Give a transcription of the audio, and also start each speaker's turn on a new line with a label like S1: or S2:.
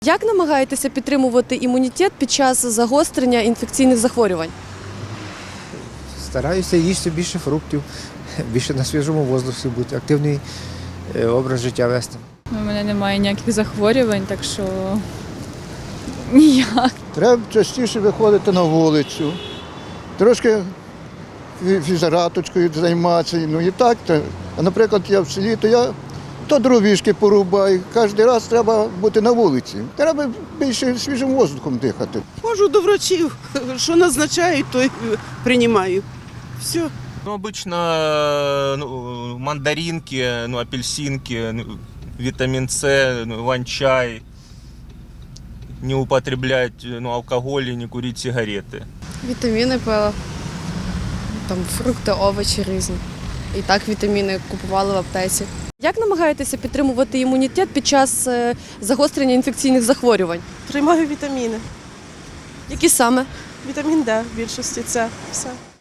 S1: Як намагаєтеся підтримувати імунітет під час загострення інфекційних захворювань?
S2: Стараюся їсти більше фруктів, більше на свіжому воздусі бути, активний образ життя вести.
S3: У мене немає ніяких захворювань, так що ніяк.
S4: Треба частіше виходити на вулицю, трошки фізараточкою займатися. Ну і так. А наприклад, я в селі, то я дровішки порубаю. Кожен раз треба бути на вулиці. Треба більше свіжим воздухом дихати.
S5: Ходжу до врачів, що назначають, то й приймаю. Все.
S6: Обычно мандаринки, апельсинки, витамин С, ван-чай, не употреблять алкоголь и не курить сигареты.
S7: Вітаміни пила, там фрукти, овочі різні. І так вітаміни купували в аптеці.
S1: Як намагаєтеся підтримувати імунітет під час загострення інфекційних захворювань?
S5: Приймаю вітаміни.
S1: Які саме?
S5: Вітамін Д в більшості це все.